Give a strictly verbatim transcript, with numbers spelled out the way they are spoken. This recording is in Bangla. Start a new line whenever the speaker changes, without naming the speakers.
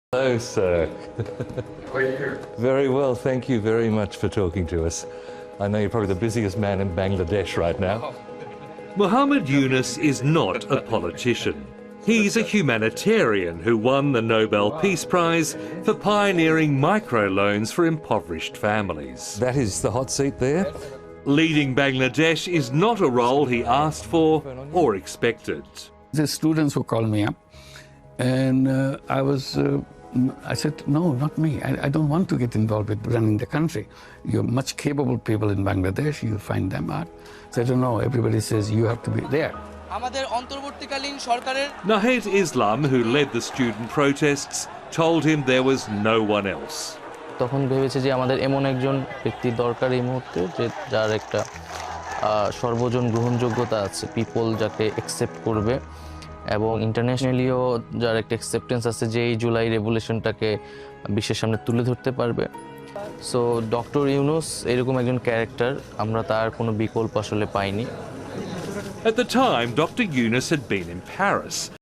Hello, sir.
How are you?
Very well, thank you very much for talking to us. I know you're probably the busiest man in Bangladesh right now.
Muhammad Yunus is not a politician. He's a humanitarian who won the Nobel Peace Prize for pioneering microloans for impoverished families.
That is the hot seat there.
Leading Bangladesh is not a role he asked for or expected.
The students who called me up, and uh, I was, uh, I said, no, not me. I, I don't want to get involved with running the country. You're much capable people in Bangladesh. You find them out. So I don't know. Everybody says you have to be there.
Nahed Islam, who led the student protests, told him there was no one else.
তখন ভেবেছে যে আমাদের এমন একজন ব্যক্তি দরকার এই মুহূর্তে যে যার একটা সর্বজন গ্রহণযোগ্যতা আছে, পিপল যাকে অ্যাকসেপ্ট করবে এবং ইন্টারন্যাশনালিও যার একটা অ্যাকসেপ্টেন্স আছে যে এই জুলাই রেভলিউশনটাকে বিশ্বের সামনে তুলে ধরতে পারবে। সো ডক্টর ইউনুস এরকম একজন ক্যারেক্টার, আমরা তার কোনো বিকল্প আসলে পাইনি।
At the time, Doctor Yunus had been in Paris.